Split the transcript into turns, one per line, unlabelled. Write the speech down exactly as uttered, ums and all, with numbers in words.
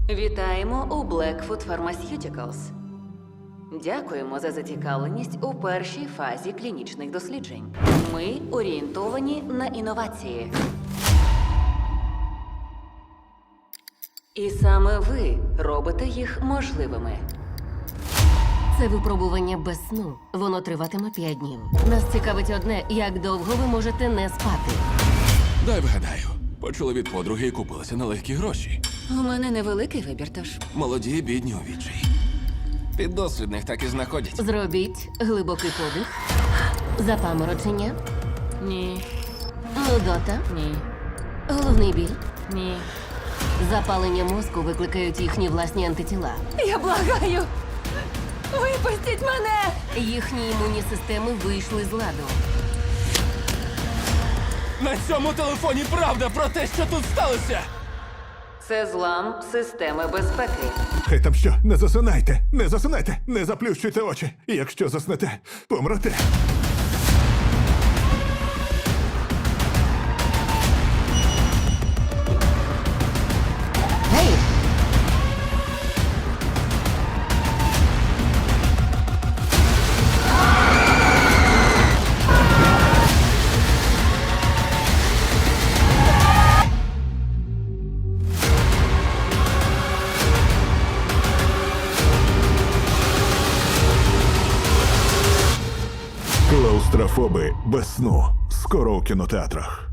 Вітаємо у Blackfoot Pharmaceuticals. Дякуємо за зацікавленість у першій фазі клінічних досліджень. Ми орієнтовані на інновації. І саме ви робите їх можливими.
Це випробування без сну. Воно триватиме п'ять днів. Нас цікавить одне, як довго ви можете не спати.
Дай вгадаю. Почули від подруги і купилися на легкі гроші.
У мене невеликий вибір, тож.
Молоді, бідні у відчаї. Піддослідних так і знаходять.
Зробіть глибокий подих, запаморочення,
Ні,
нудота,
ні,
головний біль.
ні.
Запалення мозку викликають їхні власні антитіла.
Я благаю! Випустіть мене!
Їхні імунні системи вийшли з ладу.
На цьому телефоні правда про те, що тут сталося!
Це злам системи безпеки.
Хай там що, не засинайте, не засинайте, не заплющуйте очі. Якщо заснете, помрете.
Гей!
Клаустрофоби без сну. Скоро у кінотеатрах.